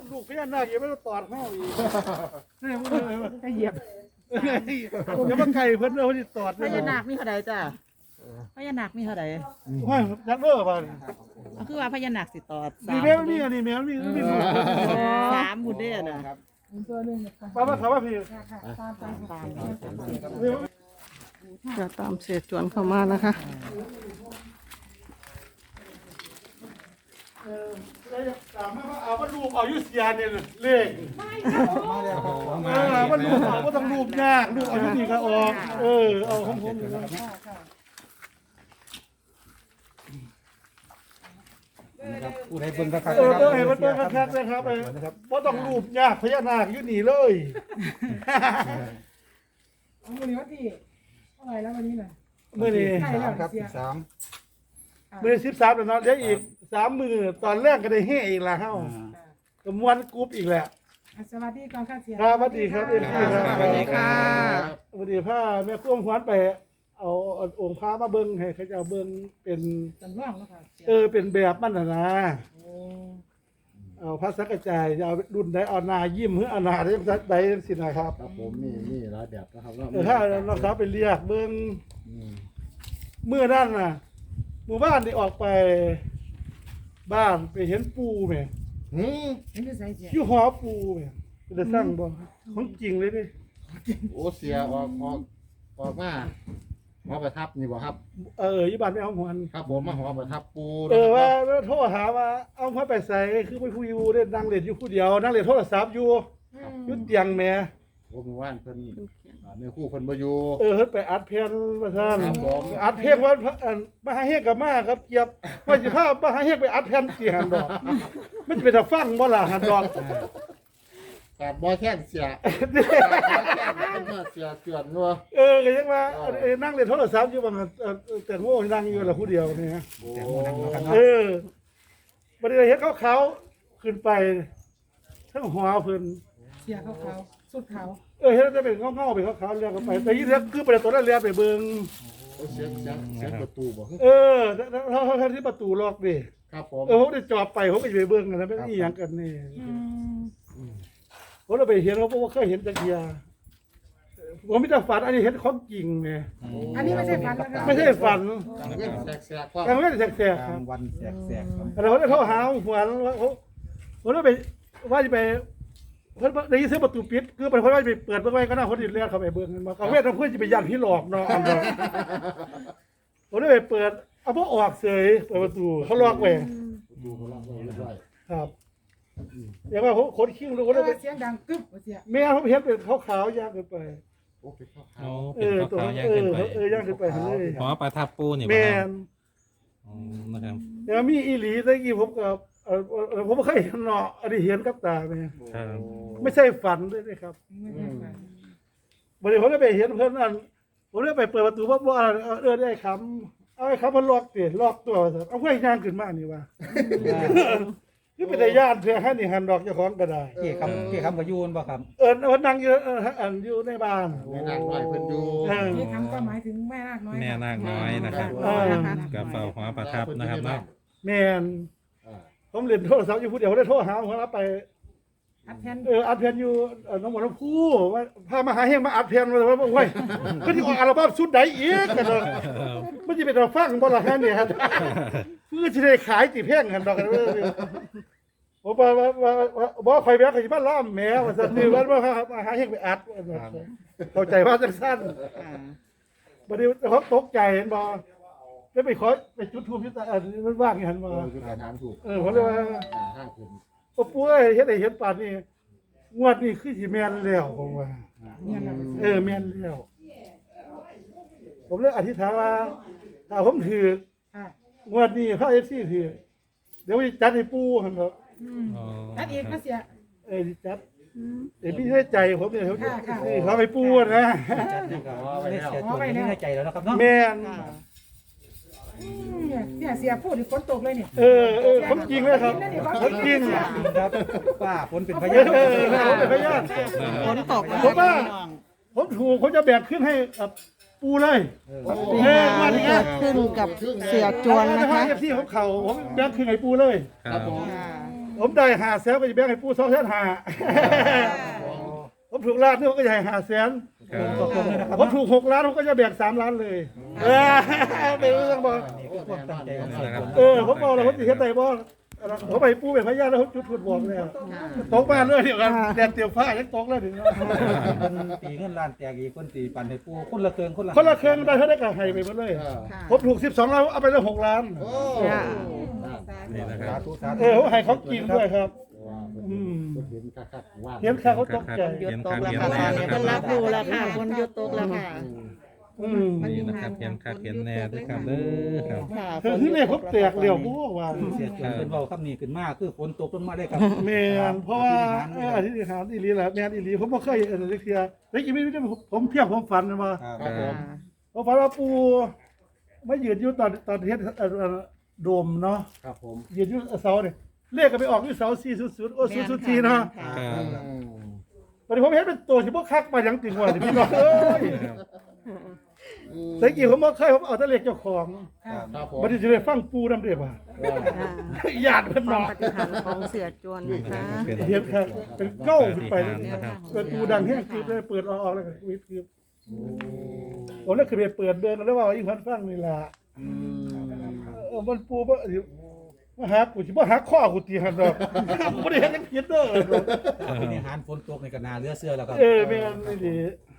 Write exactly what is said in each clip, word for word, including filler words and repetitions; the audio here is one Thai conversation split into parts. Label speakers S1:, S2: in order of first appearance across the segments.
S1: ลูกพญานาคยังไม่ต้องตอดเข้าอีกนี่มัน
S2: เหยียบ
S1: อย่ามาไก่เพิ่นเอาที่ตอด
S2: พญานาคมีเท่าใดจ้ะพญานาคมีเท่าใด
S1: ว่าจักเด้อป่ะ
S2: คือว่าพญานาคสิตอด
S1: มีแมวนี่อันนี้แมวนี่มี
S2: สามบุญเด้อน่ะ
S1: ป้ามาถามว่าพี่
S3: จะตามเสียจวนเข้ามานะคะ
S1: เออแล้วถามว่าเอาว่ารูปเอายุเสียเนี่ยเลขเออว่ารูปเอาว่าต้องรูปยากรูปเอายุนี่ก็ออกเออเอาของผมนี่นะ
S4: ผู้ใดเบิ่งคัก
S1: เออเออเห็นมันเบิ่งคักๆนะครับเออว่าต้องรูปยากพญานาคอยู่นี่เลย
S5: วันนี้วันที่เท่าไหร่แล้ววันนี้น่ะ
S1: เมื่อนี้
S5: ใช่แล้ว
S4: ครับ
S5: เสีย
S4: สาม
S1: เมื่อสิบสามแล้วเนาะเดี๋ยวอีกสามมือตอนแรกก็ได้เฮอีกละเฮ้ากับมวนกรุ๊ปอีกแหละ
S5: สวัสดีก่อนค่ะเสีย
S1: ครับสวัสดีครับเอ็มพีครับ
S3: สวัสดีค่ะ
S1: สวัสดีพ่อแม่กุ้งหวนไปเอาเอาองค์พระมาเบิ้งให้เขาจะเอาเบิ้งเป็น
S5: จำลองแล้วค่ะเสีย
S1: เออเป็นแบบมันน่ะนะ
S5: โอ้
S1: เอาพระสังกระจายจะเอารุ่นใดเอานายิ้มหรือเอานาได้ใดสินะครับ
S4: ครับผมมีมีหลายแบบนะครับ
S1: เออถ้าเราสาวไปเรียกเบิ้งเมื่อนั่นน่ะหมู่บ้านที่ออกไปบ้านไปเห็นปูแหม่
S4: หืม
S5: เห็นที่ใส่เสีย
S1: อยู่หอปูแหม่จะสร้างบ่ของจริงเลยดิ
S4: โอ้เสียออกออกออกมาหอประทับนี่บ่ครับ
S1: เอออยู่บ้านไม่เอาหวน
S4: ครับผมมาหอประทับปู
S1: เออว่าว่าโทรหาว่าเอาพระไปใส่คือไปผู้อยู่เล่นนั่งเล่นอยู่ผู้เดียวนั่งเล่นโทรศัพท์อยู่อยู่เตียงแหม่
S4: ผมว่านเพิ่นอ่าในคู่เพิ่นบ่อยู่
S1: เออเฮ็ดไปอัดเพลงมาท่าน
S4: ครับผม
S1: อัดเพลงว่าอันมหาเฮกกับมาครับเกียบว่าสิพามหาเฮกไปอัดแผ่นเสียหันดอกมันจะเป็นตาฟังบ่ล่ะหันดอก
S4: แต่บ่แค่นเสียเป็นมาเสียเตือนนัว
S1: เออก็ยังว่าเออนั่งเล่นโทรศัพท์อยู่บางเออแต่โง่นั่งอยู่ละผู้เดียวนี่ฮะ
S4: โอ้
S1: เออบ่ได้เฮ็ดเขาเขาๆขึ้นไปทั้งหัวเพิ่น
S5: เสียเขาเขาสุดเขา
S1: เออเฮ็ดจะเป็นเงาๆไปเขาเขาๆเรียกกันไปแต่ยี่เรียกคือไปตัวนั้นเรียกไปเบิ่ง
S4: เสียงเสียงเสียงประตูบ่
S1: เออถ้าถ้าที่ประตูล็อกดิ
S4: ครับผม
S1: เออผมได้จอบไปผมก็จะไปเบิ่งกันนะเป็นอีหยังกันนี่ ผมเราไปเห็นเขาบอกว่าเคยเห็นตะเกียผมไม่ได้ฝันอันนี้เห็นของจริงไง
S5: อันนี้ไม่ใช่ฝันนะคะ
S1: ไม่ใช่ฝัน
S4: กลางเว้นแสกๆก็
S1: กลางเว้นแสกๆค
S4: ก
S1: รั
S4: ลา
S1: บ
S4: งวันแสกๆครับ
S1: แต่ผมได้โทรหาหัวว่าผมผมได้ไปว่าจะไปเพิ่นได้ยินเสียงประตูปิดคือเป็นคนว่าจะไปเปิดเบิ่งไว้ก็น่าคนอื่นเรียกเขาไปเบิ่งกันมากลางเว้นต้องเพื่อจะไปยันพี่หลอกเนาะผมได้ไปเปิดเอาพวกออกเสยเปิดประตูเขาล็อกไว้
S4: ดูเขาล็อกไว้เรียบร้อย
S1: ครับอย่างว่าผมขนคิ้วดูผมได้ไป
S5: เสียงดังกึ๊บเสีย
S1: แม่ผมเห็นเป็นขาวๆย่างขึ้นไป
S4: โอ้เป็นข้าวขา
S6: โอ้
S4: ว
S1: เอ
S6: เป็น
S1: อตัว
S6: ขาวๆย่าง
S1: เอ
S6: ขึ้น
S1: อ
S6: ไป
S1: เออย่างขึ้นไปเลย
S6: หอประทับปูนี่บ่
S1: แม่
S6: ครับ
S1: น
S6: อ๋อนะครับ
S1: แล้วมีอีหลีตะกี้ผมกับเออเออผมไม่เคยเห็นเนาะอันนี้เห็นกับตาไหม
S6: ครับ
S1: ไม่ใช่ฝันด้วยนะครับ
S5: ไม่ใช่ฝัน
S1: วันนี้ผมได้ไปเห็นเพื่อนนั่นผมได้ไปเปิดประตูว่าว่าเออได้คำเอาไอ้คำมันล็อกเตี๋ยล็อกตัวเอาเพื่อนย่างขึ้นมานี่ว่านี่เป็นญาติเพื่อให้นี่หันดอกเจ้าของก็ได้
S7: เกี่ยคำเกี่ยคำกับยูนป่ะครับ
S1: เออวันนั่งอยู่เอออันอยู่ในบ้าน
S4: แม่นางน้อยเพิ่นอยู่
S1: เออ
S5: นี่คำก็หมายถึงแม่นาคน้อย
S6: แม่นาคน้อยนะครับ
S1: เออ
S6: กับเฝ้าหอประทับนะครับเนาะ
S1: แมน
S4: อ่า
S1: ผมเล่นโทรศัพท์อยู่ผู้เดียวผมได้โทรหาผมรับไป
S5: อัดแทน
S1: เอออัดเพลงอยู่เอ่อน้องหมอน้ำผู้ว่าพามาหาเฮงมาอัดเพลงมาเลยว่าโอ้ยก็ที่ออกอัลบั้มชุดไหนอีกกันเลยมันจะเป็นเราฟังบ่ล่ะฮะเนี่ยฮะเพื่อจะได้ขายจีเพลงกันดอกกันเว้ยผมว่าว่าว่าว่าบ่คอยแบกเขาสิมาล้อมแมวว่าซั่นนี่ว่าว่ามาหาเฮงไปอัดว่าซั่นเข้าใจว่าจังซั่นบัดนี้เขาตกใจเห็นบ่แล้วไปขอไปจุดธูปจุดตาอันนี้มันว่างอย่างนั้นบ่
S4: เออคือการถามถูก
S1: เออผมเลยว่า
S4: อ่าห้างขึ้น
S1: โอ้ปุ้ยเฮ็ดให้เห็นป่านนี้งวดนี้คือสิแม่นแล้วผมว่า
S5: เนี่ยนะ
S1: เออแม่นแล้วผมเลยอธิษฐานว่าถ้าผมถือ
S5: ค่ะ
S1: งวดนี้พระเอฟซีถือเดี๋ยวจะจัดให้ปู่หั่นเถอะ
S6: อ๋อ
S5: อัดอีกนะเสีย
S1: เออจัดเดี๋ยวพี่ให้ใจผมเนี่ยเขา
S5: ค่ะค่ะ
S1: เขาไปปู่นะ
S7: จัดนี่ก็ไม่ได้เสียตัวไม่ได้ใจแล้วนะครับเนาะ
S1: แม่น
S5: เนี่ยเนี่ยเสียพูดถึงฝนตกเลยเนี่ย
S1: เออเออผมจริงเลยครับผมจริง
S7: ครับป้าฝนเป็นพ
S1: เอย
S7: าน
S1: อเออผมเป็นพยาน
S3: ฝนตกนะ
S1: ผมว่าผมถูกผมจะแบกขึ้นให้กับปู่เลย
S3: นี่ค่ะนี่เกิดขึ้นกับเสียจวนนะคะ
S1: เอฟซีของเขาผมแบกขึ้นให้ปู่เลย
S6: ครับ
S4: ผม
S3: ค่ะ
S1: เผมได้หาแสนก็จะแบ่งให้ปู่สองแสนห้าผมถูกล้านนี่ผมก็จะให้หาแสน
S6: ครับ
S7: ตกลงเลยนะครับ
S1: ผมถูกหกล้านผมก็จะแบ่งสามล้านเลยเออเป็นเรื่องบอก
S7: นี่คือความตั้งใจของเสียจวน
S1: เออผมบอกแล้วผมสิเฮ็ดได้บ่ผมไปปู่เป็นพยานแล้วผมจุดถูกบอกแล้วตกบ้านเลยเดี๋ยวกันแดดเตียวฟ้ายังตกเลยถึง
S7: คนตีเงินล้านแตกอีกคนตีปั่นให้ปูคนละเครื่องคนละ
S1: คนละเครื่องได้เท่าได้ก็ให้ไปหมดเลย
S2: ค่ะ
S1: ผมถูกสิบสองล้านเอาไปเลยหกล้าน
S4: โอ้
S6: นี่นะค
S7: สา
S6: รับ
S7: ธุสาธุ
S1: เออผมให้เขากินด้วยครับ อืม
S4: เห็นคักๆว่า
S1: เห็นค่าเขาตกใจ
S2: หยุดตกแล้วค่ะตอนนี้เพิ่นรับรู้แล้วค่ะคนหยุดตกแล้วค่ะ
S1: อืม
S6: นี่นะครับเห็นคักเห็นแน่ด้วยครับเด้อครับ
S2: ค่ะ
S1: คือที่นี่ผมแตกเหลี่ยวบ่ว่า
S7: เสียจวนเป็นเบาคำนี้ขึ้นมากคือฝนตกลงมาได้ครับ
S1: แม่นเพราะว่าเอออธิษฐานอีหลีแหละแม่นอีหลีผมบ่เคยเห็นเลยเทียแล้วอีกไม่ได้ผมเพียงผมฝันมา
S7: ครับ
S4: ครับผม
S1: ผมฝันว่าปู่ไม่ยืนอยู่ตอนตอนเฮ็ดเอ่อโดมเนาะ
S4: ครับผม
S1: ยืนอยู่เสาเนี่ยเลขก็ไปออกที่เสาสี่ศูนย์ศูนย์โอ้ศูนย์ศูนย์สี่เนาะ
S2: ค่ะ
S6: ครับ
S1: วันนี้ผมเห็นเป็นตัวที่บ่คักมาหยังติงว่าที่พี่น้องเอ้ยแต่กี้ผมบ่เคยผมเอาแต่เลขเจ้าของ
S4: ครับผม
S1: บัดนี้สิได้ฟังปู่นำเด้อบ่าญาติเพิ่น
S3: ความ
S1: เนาะ
S3: ปฏิหารย์ของเสียจวนนะคะ
S6: เป็น
S1: เฮ็ดครับเป็นเก้าขึ้นไป
S6: ปฏิหารย์นะครับ
S1: เปิดปู่ดังแฮงคือได้เปิดออกๆแล้วก็วิดคือผมเลยคือไปเปิดเดินแล้วว่าอีกเพิ่นฟังนี่ล่ะเออมันปู่บ่มาหากูสิบ่หาข้อกูตีหั่นดอกบ่ได้เฮ็ดหยังผิดเด้อ
S7: เป็นอาหารฝนตกในกระนาเรือเสื้อแล้วครับ
S1: เออแม่นนี่ดี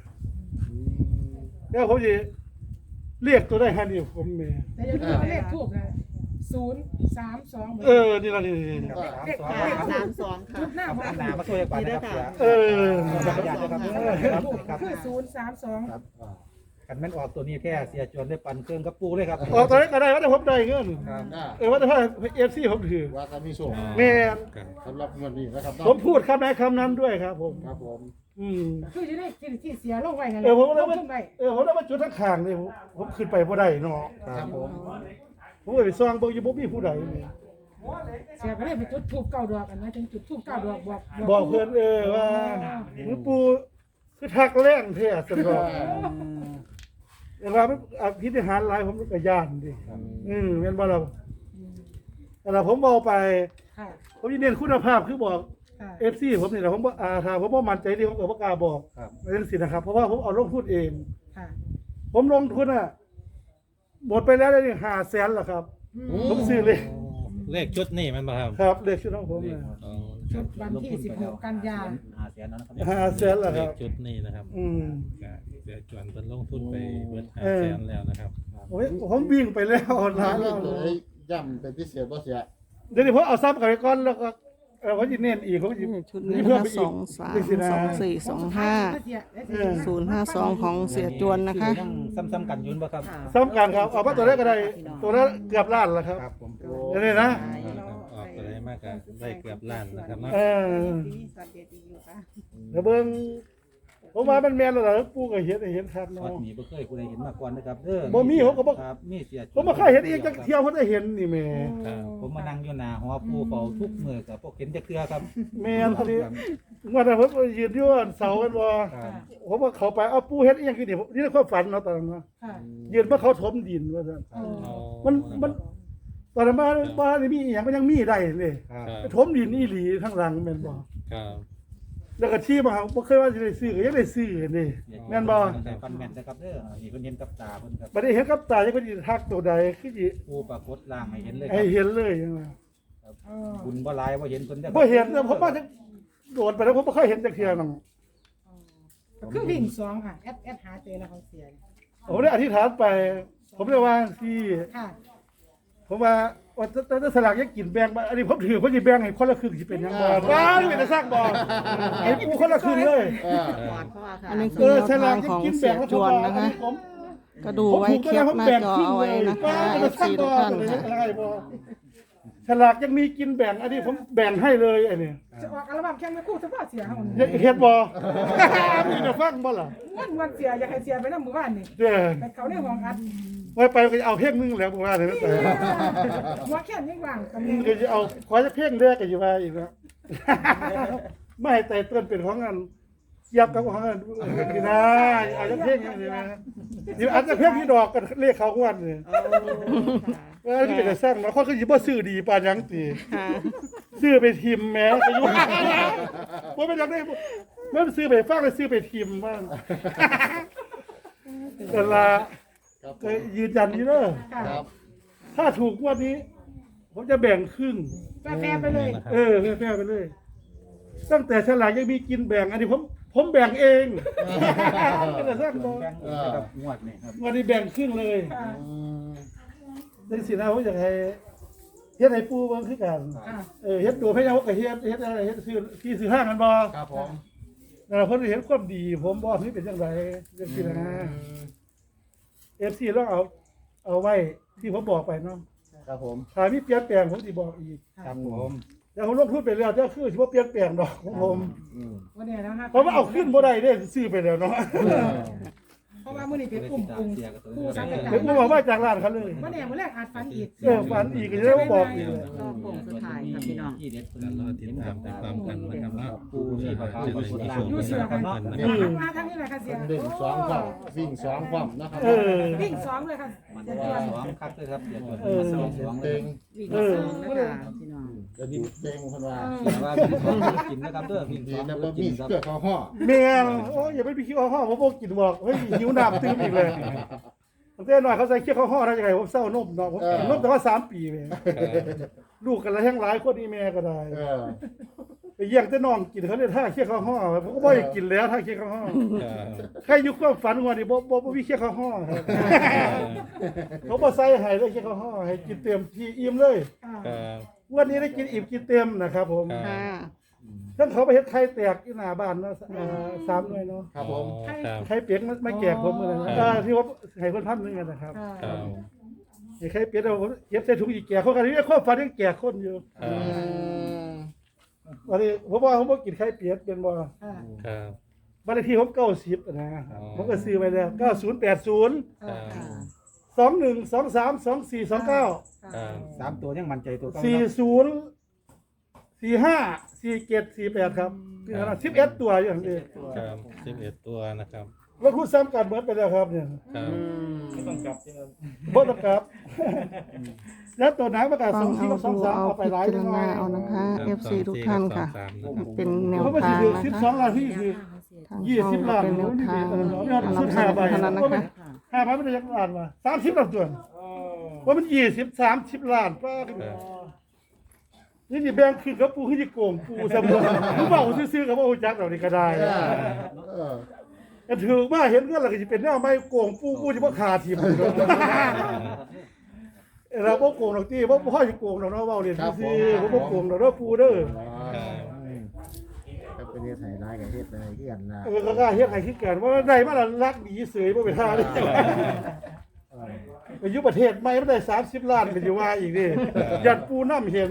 S1: แล้วผมสิเรียกตัวได้หั่นนี่ผมแม่
S5: แต่อย่าลืมว่าเลขทูบนะศูนย์สามสอง
S1: เออนี่ล่ะนี่
S5: เลข
S2: ค่ะ
S5: เลขทู
S2: สา
S5: บ
S2: มสองค่ะ
S5: จุดหน้า
S7: ครับ
S5: บ้าน
S7: หนามาช่วยกันนะครับเสีย
S1: เออ
S7: ญาตินะครับ
S5: เลขทูบ
S7: ครับ
S5: คือศูนย์สามสอง
S4: ครับอ่า
S7: กันแม่นออกตัวนี้แท้เสียจวนได้ปั่นเครื่องกับปูเลยครับ
S1: ออกตอนนั้นก็ได้ว่าแต่ผมได้เงิน
S7: ครับ
S4: น่า
S1: เออว่าแต่ว่า เอฟ ซี ผมถือ
S4: ว่าจะมีส่วน
S1: แม่น
S6: ครับ
S4: สำหรับเงินนี้นะครับ
S1: ผมพูดคำไหนคำนั้นด้วยครับผม
S4: ครับผม
S1: อืม
S5: คือจะได้ที่ที่เสียลงไว้กัน
S1: เออผมเลย
S5: ล
S1: ว่า
S5: งไว้
S1: เออผมเลยว่าจุดทั้งข้างนี่ผมผมขึ้นไปบ่ได้เนาะ
S4: ครับผม
S1: ผมก็ไปซ่องเบิ่งอยู่บ่มีผู้ใดนี่
S5: เสียก็เลยไปจุดทูบเก้าดอกกันนะถึงจุดทูบเก้าดอกบอก
S1: บอกเพิ่นเออว่าหลวงปู่คือทักแรงแท้ซั่นดอกเวลามันอภิธิหารหลายผมก็ย่านดิอืมแม่นบ่ล่ะแต่ละผมเว้าไป
S5: ค่ะ
S1: ผมสิเน้นคุณภาพคือบอก
S5: ค่ะ
S1: เอฟซีผมนี่แหละผมบ่อ่าถ้าผมบ่มั่นใจดีผมก็บ่กล้าบอก
S7: ครับ
S1: เรื่องสินะครับ เพราะว่าผมเอาลงทุนเอง
S5: ค่ะ
S1: ผมลงทุนอ่ะหมดไปแล้วได้ห้าแสนแล้วครับ ผมซื้อเลย
S6: เลขชุดนี่มันบ่ครับ
S1: ครับเลขชุดของผมเนี่ย
S6: อ๋อ
S5: ชุดวันที่สิบหกกันยา
S7: หาเสียนะครับ
S1: ห้าแสนแล้ว
S6: เล
S1: ครั
S6: ข
S1: บ
S6: ชุดนี่นะครับ
S1: อืม
S6: ก็เสียจวนเพิ่นลงทุนไปเบิดห้า
S1: เออ
S6: แสนแล้วนะครับ
S1: โอ้ยผมวิ่งไปแล้วหลาย
S4: เล
S1: แล้ว
S4: ขตัวนี้ย่ำเป็นพิเศษบ่เสีย
S1: เดี๋ยวนี้ผมเอาซ้ำกลับไปก่อนแล้วก็เออผมจะเน้นอีกผมจะ
S3: นี่ชุดนี้นะคะสองสามสองสี่สองห้า
S1: เออ
S3: ศูนย์ห้าสองของเสียจวนนะคะ
S7: ยังซ้ำๆกันอยืนบ่ครับ
S2: ค่ะ
S1: ซ้ำกันครับเอามาตัวแรกก็ได้ตัวละเกือบล้านแล้วครับ
S7: ครับผม
S1: เดี๋ยวนี้นะ
S6: ออกตัวได้มากก็ได้เกือบล้านนะครับเนาะ
S1: เออเดี๋ยวเบิ่งผมว่ามันแม่นแล้วล่ะปู่ก็เห็นให้เห็นครับ
S7: วั
S1: เนาะ
S7: ดนี้บ่เคยผู้ใดเห็นมาก่อนนะครับเด้อ
S1: บ่มีผมก็บ่
S7: ครับมีเสีย
S1: ผมบ่เคยเห็นอีกจักเที่ยวผมได้เห็นนี่แม่
S6: ครับ
S7: ผมมานั่งอยู่หน้าหอปูเฝ้าทุกมื้อกับพวกเห็นจักเทื่อครับ
S1: แม่นพอดีว่าแต่ผมยืนอยู่อันเสากันบ่
S7: ครับ
S1: ผมว่าเขาไปเอาปู่เฮ็ดอีหยังคือนี่นี่ในความฝันเนาะตอนนั้นเนาะ
S5: ค่ะ
S1: ยืนมาเขาถมดินว่าซั่น
S5: อ๋อ
S6: อ๋อ
S1: มันมันตอนนั้นบ้านบ้านนี่มีอีหยังมันยังมีได้เลย
S7: ครับ
S6: ครับ
S1: ไปถมดินอีหลีข้างหลังแม่นบ่
S6: ครับ
S1: แล้วก็ที่มาบ่เคยว่าสิได้ซื้อก็ยังได้ซื้อนี่แม่นบ่
S7: แต่ฟันแม่นนะครับเด้อนี่เพิ่นเห็นกับตาเพิ่นครับ
S1: บ่ได้เห็นกับตาจังเพิ่นสิทักตัวใดคือสิ
S7: ปูปรากฏร่างให้เห็นเลยค
S1: ให้
S7: รับ
S1: เห็นเลยจังว่า
S5: อ๋อ
S7: บุญบ่หลายบ่เห็นเพิ่นเด้อ
S1: บ่เห็นแต่ผมว่าจังโดดไปแล้วผมบ่เคยเห็นจักเที่ยนัง
S5: คือวิ่งสองค่ะแอดแอดหาเจอแล้วเขาเสีย
S1: ผมได้อธิษฐานไป ผมได้ว่าที่
S5: ค่ะ
S1: ผมว่าว่าแต่แต่สลากยังกินแบ่งมาอันนี้ผมถือผมสิแบ่งให้คนละครึ่งสิเป็นหยังบ่บ้านี่เป็นแต่สร้างบ่ให้กูคนละครึ่งเลย
S4: เออ
S2: ปอดเพราะว่าค่ะ
S3: อันนี้
S1: เอ
S3: คือ
S1: อ
S3: แนว
S1: สลา
S3: ทาก ง
S1: ยัง
S3: ของ
S1: กิน
S3: เสี
S1: แบ่
S3: ย
S1: งแล้ว
S3: จวนนะคะ
S1: ผม
S3: ก็ดูไว้แคปหน้าจอเอาไว้นะคะเอฟซีทุกท่านค่ะ
S1: สลากยังมีกินแบ่งอันนี้ผมแบ่งให้เลยอันนี้
S5: จะออกอัลบั้มแข่งไม่คู่เฉพาะเสียเขา
S1: เฮ็ดบ่มีแต่ฟังบ่ล่ะ
S5: วันวันเสียอยากให้เสียไปน้ำหมู่บ้านนี่
S1: เด้อ
S5: แต่เขาในห้องอัด
S1: ไว้ไปก็จะเอาเพลงหนึงแล้วบ่ว่าเลยแต่
S5: หัวแค่นี้ว่างกัน
S1: ก็จะเอาขอจะเพลงแรกก็อยู่ว่าอีกแล้วไม่ให้แต่ต้นเป็นของอันยับกับของอันนี่นะเอาจะเพลงอย่างนี้นะเดี๋ยวอาจจะเพี้ยนพี่ดอกกันเลขเขางวดนี่
S2: โอ้ค่ะ
S1: ว่าที่เป็นแต่สร้างมาคนก็สิบ่ซื้อดีปานหยังติ
S3: ค่ะ
S1: ซื้อไปทิมแหม้ก็อยู่บ่เป็นจังได๋มันซื้อไปฟังแล้วซื้อไปทิมบ้างแต่ละ
S4: ครับผ
S1: ก็
S4: ม
S1: ยืนยันนี่เด้อ
S4: ครับ
S1: ถ้าถูกงวดนี้ ผมจะแบ่งครึ่ง
S5: แฟร์ๆไปเลย
S1: เออแพ้ๆไปเลย ตั้งแต่ฉลากยังมีกินแบ่งอันนี้ผมผมแบ่งเอง เป็นแต่สร้างบ่
S7: แบ่งอีกนะครับงวดนี่ครับ
S1: งวดนี้แบ่งครึ่งเลย
S5: ค่ะ
S4: อืม
S1: จังซี่นะผมอยากให้เฮ็ดให้ปู่เบิ่งคือกัน
S5: ค่ะ
S1: เออเฮ็ดตัวพะเยาก็เฮ็ดเฮ็ดอะไรเฮ็ดซื้อที่ซื้อห้างกันบ่
S4: ครับผม
S1: นั่นล่ะเพิ่นเห็นความดี ผมบ่นี่เป็นจังไดจังซี่นะ เอฟ ซี ลองเอาเอาไว้ที่ผมบอกไปเนาะ
S4: ครับผม
S1: ถ้ามีเปลี่ยนแปลงผมสิบอกอีก
S7: ครับผม
S1: แต่ผมลงทุนไปแล้วเจ้าคือสิบ่เปลี่ยนแปลงดอกของผม
S4: อืม
S5: วันนี้แล้วฮะ
S1: เพราะว่าเอาขึ้นบ่ได้เด้ซื้อไปแล้วเนาะ
S5: เพราะว่ามื้อนี้เป็นกลุ่มกลุ่มผู้สังกัด
S1: เดี๋ยวผมบอกว่าจากร้านเขาเลย
S5: วันนี้มื้อแรกอาจฝันอีก
S1: เออฝันอีกก็จะได้มาบอกอีกเลย
S2: รอบโป่งสุดท้ายค่ะพี่น้อง
S7: ที่เด็ด
S6: แล้วรอติดตามไปพร้อมกันนะครับเนาะ
S7: ปูที่ปะครับ
S6: จะได้มีโชค
S5: อยู่เสือ
S6: กั
S5: กัน น
S6: เนาะ
S5: เนาะ
S6: นะครับ
S5: มาทางนี้แหละค่ะเสีย
S4: เป็นเด่นสองความวิ่งสองความนะครับ
S1: เออ
S5: วิ่งสองเลยค่ะ
S7: มัน
S5: เสีย
S7: ว่า
S5: จวน
S7: สองคักเลยครับเดี๋ยว
S1: เออ
S7: สองสองเล
S4: เต็
S7: ย
S4: ง
S2: วิ่ง
S1: เออ
S2: สองนะคะพี่น้อง
S4: จะดิ้นเต็งคนว่า
S7: แต่ว่าวิ่งสองกินนะครับเด้อวิ่ง
S4: ดี
S7: สอง
S4: นะ
S7: เด้
S4: บ่
S7: อ
S4: มี
S7: กินครับ
S4: เสื้อคอห่อ
S1: แม่งโอ้ยอย่าไปพี่คิวห่อผมบ่กินบอกเฮ้ยหิวน้ำตื่มอีกเลยตั้งแต่น้อยเขาใส่เคี้ยวห่อได้ยังไงผมเศร้านมเนาะผมกินนมแต่ว่าสามปีแม่ลูกกันละแห้งหลายคนนี่แม่ก็ได้
S4: เออ
S1: ไปเยี่ยงแต่น้องกินเขาเนี่ยท่าเคี้ยวข้าวห่อผมก็บ่อยากกินแล้วท่าเคี้ยวข้าวห่อ
S6: ครับ
S1: ใครอยู่ความฝันว่านี่บ่บ่บ่มีเคี้ยวข้าวห่อครับเขาบ่ใส่ให้เลยเคี้ยวข้าวห่อให้กินเต็มที่อิ่มเลย
S5: อ่า
S6: ครับ
S1: วันนี้ได้กินอิ่มกินเต็มนะครับผม
S6: ครับ
S3: ค่ะ
S1: ทั้งเขาไปเฮ็ดไข่แตกที่หน้าบ้านเนาะเอ่อสามหน่วยเนาะ
S4: ครับผม
S6: ครับ
S1: ไข่เป็ดมันมาแจกผมมื้อนั้นอ่าที่ว่าให้เพิ่นพันหนึงอะนะครับ
S5: อ่า
S6: ครับ
S1: ไอ้ไข่เป็ดเอาผมเก็บใส่ถุงอีกแจกคนกันนี่ความฝันยังแจกคนอยู่
S6: ครับ
S1: วันนี้ผมว่าผมบ่กินไข่เป็ดเป็นบ่
S5: อ่า
S6: ครับ
S1: บ้านเลขที่ผมเก้าสิบนะ
S6: อ๋อ
S1: ผมก็ซื้อไปแล้วเก้าศูนย์แปดศูนย์
S6: ครับ
S1: สองหนึ่งสองสามสองสี่สองเก้า
S6: ครับ
S7: สามตัวยังมั่นใจตัวเก่า
S1: สี่
S7: เนาะ
S1: ศูนย์สี่ห้าสี่เจ็ดสี่แปดครับคือขนาดสิบเอ็ดตัวอย่างนี้
S6: ครับสิบเอ็ดตัวนะครับ
S1: แล้วพูดซ้ำกันเหมือนไปแล้วครับเนี่ย
S6: ครับ
S1: บ่ต้องกลับ แล้วตัวหนังประกาศ
S3: ฟั
S1: สอง งสี่
S3: เอา
S1: กับสอง
S3: ดู
S1: สาม
S3: เอา
S1: เอาไป
S3: พิ
S1: หลาย
S3: จาร
S1: จังห
S3: ณา
S1: น่อย
S3: เอานะคะ
S6: ครับ
S3: เอฟ ซี ทุกท่านค่ะ
S6: สองสี่กับสองสามนะครับ
S3: เป็นแนว
S1: เพราะมัน
S3: ทาง
S1: ถือ
S3: นะ
S1: สิบ
S3: คะ
S1: สองล้านที่คือ
S3: ทาง
S1: ยี่
S3: ช่อง
S1: สิบ
S3: ก็
S1: ล้าน
S3: เป็นแนวทาง
S1: เออ
S3: นำเสนอเท่านั้นนะคะ
S1: ห้าพันไม่ได้ยักล้านมาสามสิบล้านตัวว่ามันยี่สิบสามสิบล้านป้ากันนี่นี่แบงค์คือกับปูคือที่โกงปูสมุนผู้เบาซื้อๆกับว่าโอ้จักเรานี่ก็ได้
S4: เออเออ
S1: แต่ถือว่าเห็นเงินเราก็จะเป็นแนวไม่โกงปูปูจะบ่ขาทีมเราบ่โกงดอกที่บ่พ่อสิโกงดอกเนาะเว้าเรียนซื่อๆบ่บ่โกงดอกเนาะปูเด้อ
S4: ครับเป็นเฮ็ดให้ร้ายกับเฮ็ดอะไรที่กันนะ
S1: เออก็กล้าเฮ็ดให้คือกันว่าได้มาละรักดีเสยบ่เป็นท่าเด้ไปอยู่ประเทศใหม่มันได้สามสิบล้านก็สิว่าอีกดิยันปูน้ำเห็น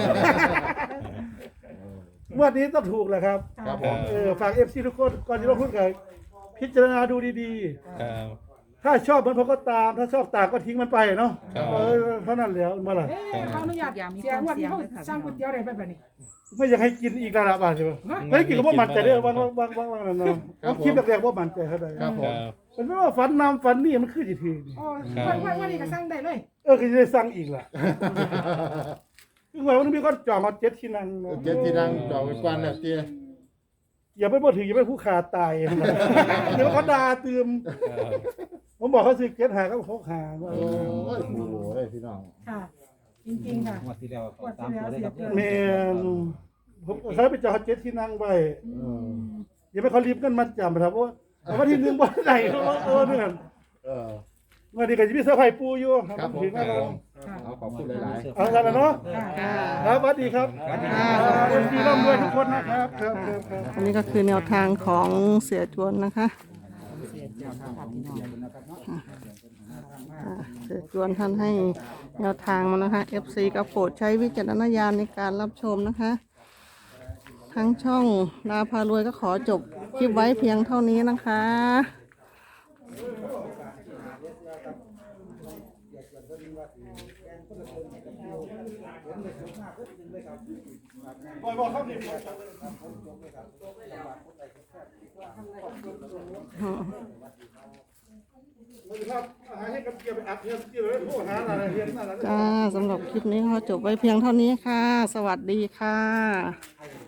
S1: งวดนี้ต้องถูกแหละครับ
S4: ครับผม
S1: เออฝาก เอฟ ซี ทุกคนก่อนที่เราพูดกันพิจารณาดูดี
S6: ครับ
S1: ๆ ถ้าชอบมันผมก็ตาม ถ้าชอบต่างก็ทิ้งมันไปเนาะ
S6: ครับ
S1: เออเท่านั้นแล้วมาล่ะ
S5: เอ๊ะเขาอนุญาตเสียงวันนี้เขาสร้างก๋วยเตี๋ยวได้แบบนี้
S1: ไม่อยากให้กินอีกระดับอ่ะใช่ไหมไม่ให้กินก็บ่มันใจเด้อวางวางวางวางนั่นเนาะผมคิดแรกๆว่ามันใจเขาได้
S4: ครับผ
S6: ค
S4: ม
S6: รับ
S1: เป็นไม่ว่าฝันนำฝันนี่มันคือสิถือนี่
S5: อ๋อวันวันวันนี้ก็สร้างได้เลย
S1: เออก็จะได้สั่งอีกล่ะคือว่ามันมีคนจองมาเจ็ดที่นั่งเนาะ
S4: เจ็ดที่นั่งจอไว้กวนแล้วเตี้ย
S1: อย่าไปบ่ถืออย่าไปผู้ขาตายเดี๋ยวเขาด่าตืม
S6: ครับ
S1: ผมบอกเขาซื้อเจ็ดหาก็หกหาว่า
S4: โอ้ยโอ้โหเลยพี่น้อง
S5: ค่ะ จริงๆค่ะ
S7: งวดที่แล้วเขาตามตัวได้ครับ
S1: แม่นผมเขาไปจอดเจ็ดที่นั่งไว้
S4: เออ
S1: อย่าไปเขารีบกันมาจำครับว่าเอาวันที่หนึ่งวันไหนเขาว่าเออเนี่ย
S4: เออ
S1: วันนี้ก็จะมีเสื้อร์ไผ่ปูอยู่
S4: ครับผม
S1: ถึง
S4: ครั
S1: แล้
S4: บ
S1: ว
S4: ผมเอาขอบคุณหลาย
S1: เอากันแล้วเนาะ
S5: ค่ะ
S1: ครับสวัสดีครับ
S3: ค่ะ
S1: เอ็มซีร่ำรวยทุกคนนะครับครับครับครับ
S3: อันนี้ก็คือแนวทางของเสียจวนนะคะอ่าเสียจวนท่านให้แนวทางมานะคะ เอฟ ซี ก็โปรดใช้วิจารณญาณในการรับชมนะคะ ทั้งช่องดาพารวยก็ขอจบคลิปไว้เพียงเท่านี้นะคะ
S1: บอยบอกครับนี่
S3: อืม
S1: ครับหาให้กับเกียร์ไปอัดเทียนเกียร์เลยโทรหาอะไรเทียนนั่นแหละ
S3: จ้าสำหรับคลิปนี้ขอจบไว้เพียงเท่านี้ค่ะ สวัสดีค่ะ
S1: ค